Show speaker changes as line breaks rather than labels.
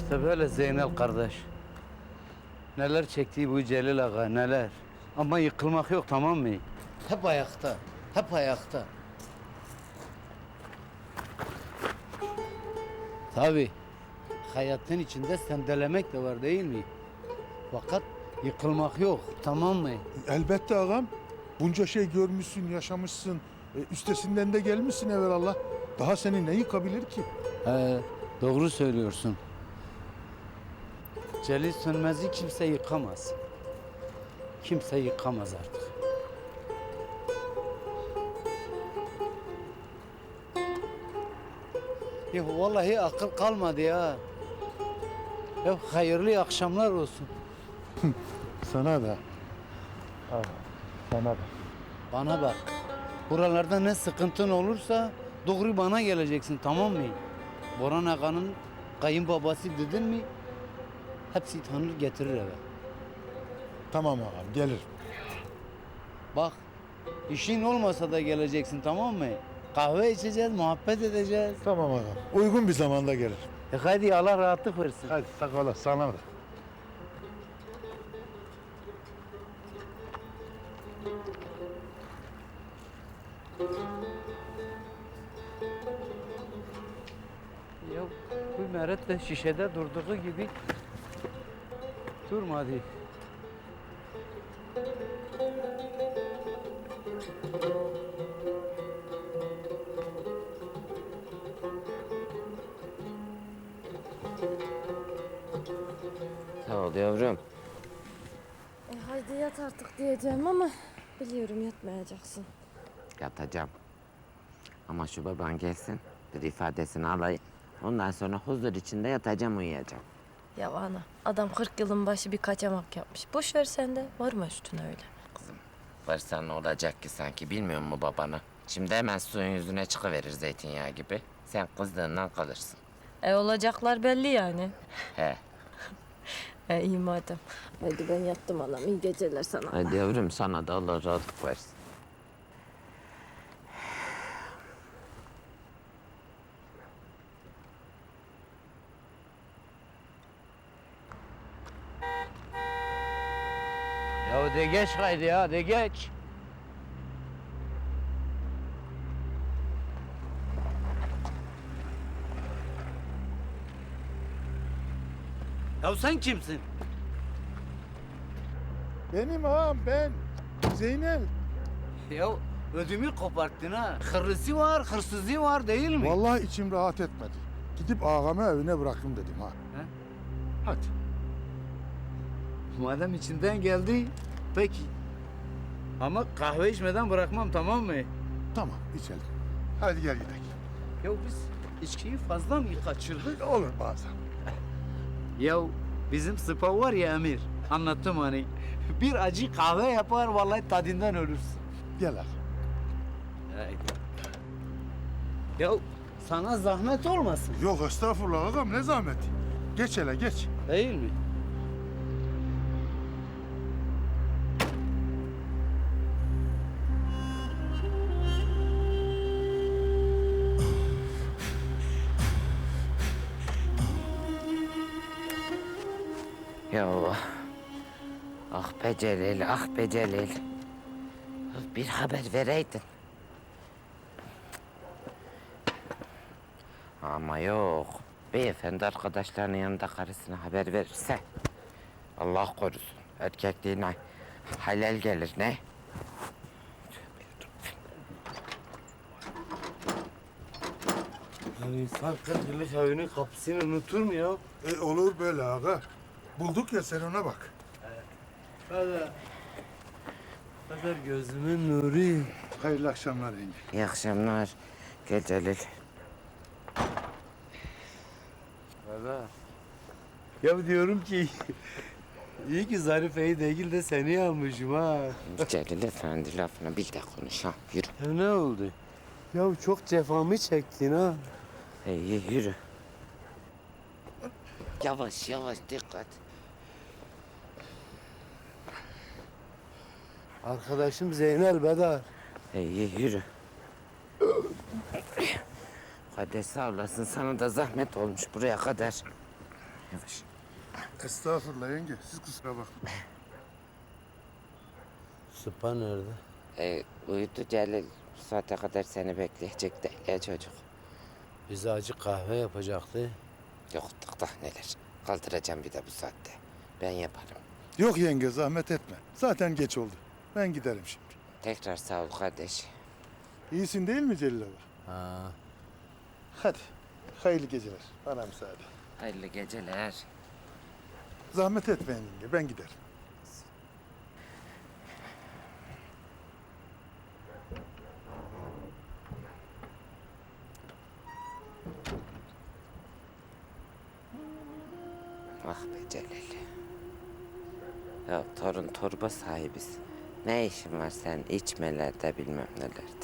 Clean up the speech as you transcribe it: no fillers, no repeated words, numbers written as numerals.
İşte böyle Zeynel kardeş. Neler çektiği bu Celil Ağa, neler. Ama yıkılmak yok, tamam mı? Hep ayakta, hep ayakta. Tabii, hayatın içinde sendelemek de var değil mi? Fakat yıkılmak yok, tamam mı?
Elbette ağam. Bunca şey görmüşsün, yaşamışsın. Üstesinden de gelmişsin evvelallah. Daha seni ne yıkabilir ki?
Doğru söylüyorsun. Celil Sönmez'i kimse yıkamaz. Kimse yıkamaz artık. Ya vallahi akıl kalmadı ya. Ya hayırlı akşamlar olsun.
Sana da. Sana da.
Bana bak. Buralarda ne sıkıntın olursa doğru bana geleceksin, tamam mı? Boran Ağa'nın kayınbabası dedin mi? Hepsi tanır getirir eve.
Tamam ağam, gelir.
Bak, işin olmasa da geleceksin, tamam mı? Kahve içeceğiz, muhabbet edeceğiz.
Tamam ağam. Uygun bir zamanda gelir.
Hadi Allah rahatlık versin.
Hadi sağ ol, sana da.
Ya bu meret de şişede durduğu gibi durmadı.
Sağ ol yavrum.
Haydi yat artık diyeceğim ama biliyorum yatmayacaksın.
Yatacağım. Ama şu baban gelsin, bir ifadesini alayım. Ondan sonra huzur içinde yatacağım, uyuyacağım.
Ya ana adam 40 yılın başı bir kaçamak yapmış. Boş ver sen de varma üstüne öyle.
Kızım, varsa ne olacak ki sanki, bilmiyor musun babanı? Şimdi hemen suyun yüzüne çıkıverir zeytinyağı gibi. Sen kızdığından kalırsın.
Olacaklar belli yani.
He.
İyi madem. Hadi ben yattım anam. İyi geceler sana.
Hadi yavrum, sana da Allah rahatlık versin.
Ya de geç haydi ya, de geç. Ya sen kimsin?
Benim ağam, ben. Zeynel.
Ya ödümü koparttın ha. Hırlısı var, hırsızı var değil mi?
Vallahi içim rahat etmedi. Gidip ağamı evine bırakayım dedim ha.
He?
Hadi.
Madem içinden geldi, peki. Ama kahve içmeden bırakmam, tamam mı?
Tamam, içelim. Hadi gel gidelim.
Ya biz içkiyi fazla mı kaçırdık?
Olur bazen.
Ya bizim spa var ya Emir, anlattım hani. Bir acı kahve yapar, vallahi tadından ölürsün.
Gel ağam.
Ya sana zahmet olmasın.
Yok estağfurullah ağam, ne zahmeti. Geç hele geç.
Değil mi?
Ya ah be Celil, ah be Celil. Bir haber vereydin. Ama yok. Beyefendi arkadaşlarının yanında karısına haber verirse Allah korusun. Erkekliğine halel gelir ne?
Yani insan 40 yıllık evinin kapısını unutur mu ya?
Olur böyle ağa. Bulduk ya, sen ona bak.
Kadar gözümün nuru.
Hayırlı akşamlar yenge.
İyi akşamlar. Gel Celil.
Valla. Ya diyorum ki iyi ki Zarife'yi değil de seni almışım ha.
Celil efendi lafını bil de konuş ha. Yürü.
Ya ne oldu? Ya çok cefamı çektin ha.
İyi yürü. Yavaş yavaş dikkat.
Arkadaşım Zeynel Bedar.
İyi yürü. Hadi sağ olasın, sana da zahmet olmuş buraya kadar. Yavaş.
Estağfurullah yenge. Siz kusura bakmayın.
Sıpa nerede?
Uyudu Celil. Bu saate kadar seni bekleyecek de ya çocuk.
Bize acı kahve yapacaktı.
Yoktuk da neler. Kaldıracağım bir de bu saatte. Ben yaparım.
Yok yenge zahmet etme. Zaten geç oldu. Ben giderim şimdi.
Tekrar sağ ol kardeş.
İyisin değil mi Celil Baba?
Ha.
Hadi. Hayırlı geceler. Bana müsaade.
Hayırlı geceler.
Zahmet etmeyin yenge. Ben giderim.
Ah be Celil. Ya torun torba sahibiz. Ne işin var sen içmelerde bilmem nelerde.